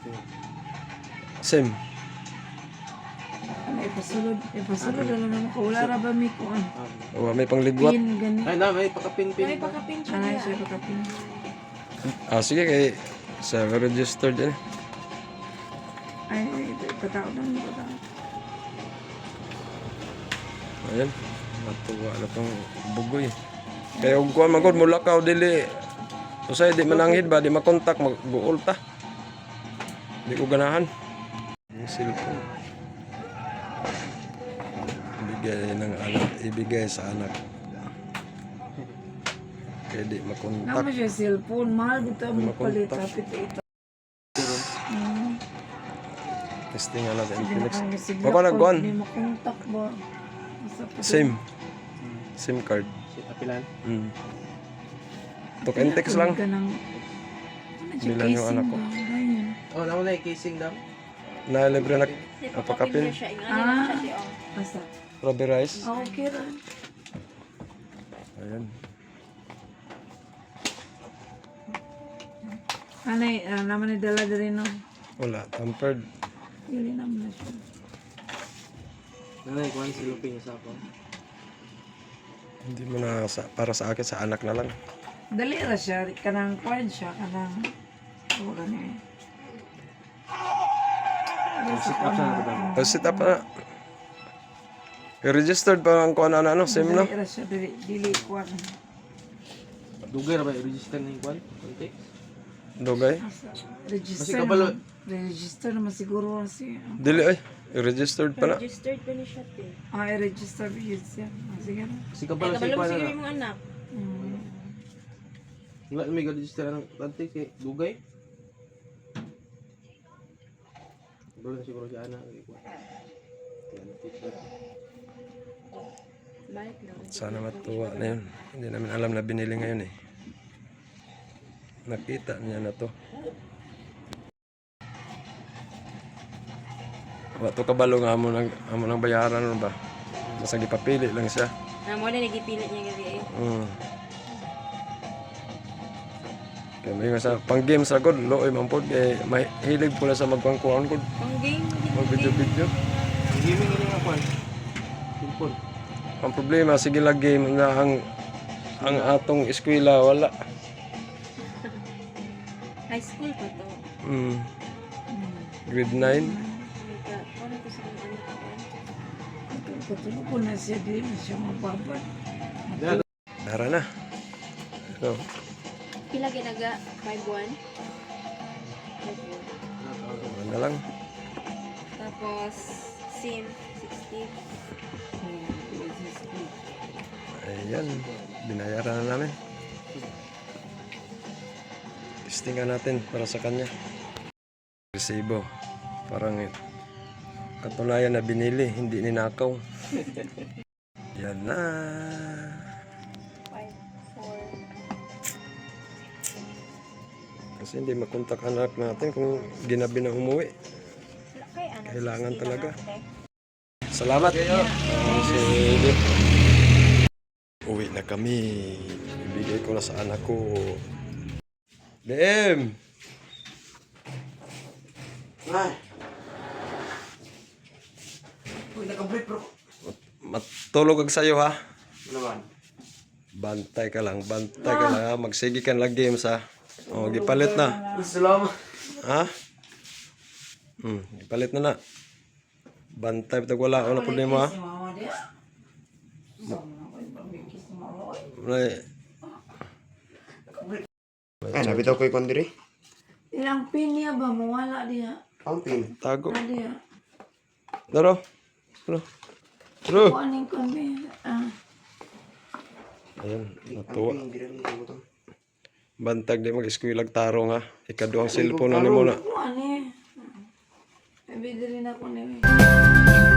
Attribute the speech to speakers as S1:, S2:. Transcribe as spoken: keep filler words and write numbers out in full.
S1: Same.
S2: Ano, ipasulod. Ipasulod, alam naman ko. Wala ra ba may kuan?
S1: O, may panglibwat.
S2: Pin, gani.
S3: Ay na, may pakapin-pin.
S4: May pakapin siya
S2: Ano
S4: niya.
S2: siya pagkapin?
S1: Ah, sige kay sa registered yan.
S2: Ay, ipatao lang, ipatao.
S1: Ayan. Matuwa na pang bugoy. Kaya kung kuha magod mula ka o dili. Usay di mananghid ba, di makontak, mag-buol ta. Di ko ganahan. Yung cellphone. Ibigay ng anak, ibigay sa anak. Kaya di makontak.
S2: Naman siya cellphone, mahal dito ang
S1: Makontak.
S2: palit. Kapit ito. Hmm.
S1: Testing nga natin.
S2: Sige na
S1: Phoenix.
S2: kang masigla
S1: Baka
S2: ko,
S1: nagkuhan.
S2: Hindi makontak ba? Asa pa
S1: Same. SIM card.
S3: Si Apilan.
S1: Mm. Talk and text lang.
S2: Ka ng...
S1: Bilang yung anak ko.
S3: Oh, naman na casing daw.
S1: Na libre na
S4: May pakapin
S1: napakapin.
S4: niya siya. Ingani lang
S2: Ah.
S4: siya di oh.
S2: Basta.
S1: Rubber rice.
S2: Ah, okay ra.
S1: Ayan.
S2: Anay, ah, naman ni dala din no.
S1: Wala. Tampered.
S2: Pili naman na siya.
S3: Nanay, kuhan si Lupi niya sa ako.
S1: Hindi mo na sa, para sa akin, sa anak na lang.
S2: Dali ra siya, kanang kwan siya, kanang... Wala niya.
S3: Sit up siya na ba?
S1: Tapos sit up na. I-registered pa ang kuha na ano, same no?
S2: Dali ra siya, dili, dili kwan.
S3: Dugay ra ba i-register na yung kuhan? Konti?
S1: Dugay.
S2: Register
S3: Basi kabalo.
S2: naman. Register naman siguro siya.
S1: Dili ay. I-registered pa na.
S4: Registered pa ni siya te.
S2: Ah, i-register yun siya. Ah, sige na.
S3: Kasi
S4: Ay,
S3: kabalo sa
S4: kabalo mo
S3: kuhan
S4: sige
S3: na.
S4: yung anak.
S2: Hmm.
S3: Wala may register ng konti kay Dugay. Kabalo na siguro si Ana.
S4: Balik na.
S1: Sana matuwa na yun. Hindi namin alam na binili ngayon eh. Nakita niya na to. Wato kabalo nga amo nang amo nang bayaran ano ba? Basta gipapili lang siya.
S4: Na mo na nagipilit niya gabi eh.
S1: Mm. Kaya may nga sa pang game sa god, looy man pod kay mahilig pula sa magpangkuan god,
S4: Pang game.
S1: mag video video.
S3: Ang gaming ini nga kuhan. Simpon.
S1: Ang problema sige lang game nga ang ang atong eskwela wala.
S4: High school pa to.
S1: Mm. Grade nine.
S4: Oh my God. Ano ko sa mga anak ko?
S2: Katulog ko na siya, di na siya mababad.
S1: Tara na. So,
S4: Pila ginaga? five one? five one.
S1: ano na lang.
S4: Tapos, SIM, sixty.
S1: Ayan, binayaran na namin. Testingan natin para sa kanya. Resibo. Parang katunayan na binili, hindi ninakaw. Yan na.
S4: five four.
S1: Kasi hindi makontak anak natin kung ginabi na umuwi.
S4: Kay anak.
S1: Kailangan
S4: sixty
S1: talaga.
S4: lang ate.
S1: Salamat. Oh, si Edith. Uwi na kami. Ibigay ko na sa anak ko. D M!
S3: Ay. Uy, naka-break bro.
S1: Matulog ag sayo ha.
S3: Naman.
S1: Bantay ka lang, bantay ka lang ha. Magsige ka lang games ha. O, gipalit na.
S3: Salamat.
S1: Ha? Hmm, gipalit na na. Bantay bitag wala ako na problema ha.
S2: Si mama dia. Sama na ko yung pamikis ni mama.
S1: May-
S5: Ay, nabi daw ko yung kondiri.
S2: Ilang pin niya ba? Mawala diya.
S5: Ang pin.
S1: Tago.
S2: Wala diya.
S1: Daro. Daro. Daro.
S2: Kung anong kami. Ah.
S1: Ayun, natuwa.
S5: Hindi rin yung butong.
S1: Bantag di mag-eskwil ag tarong ha. Ikaduhang cellphone na ni mo na.
S2: Kung ano eh. May bidiri na ako na eh.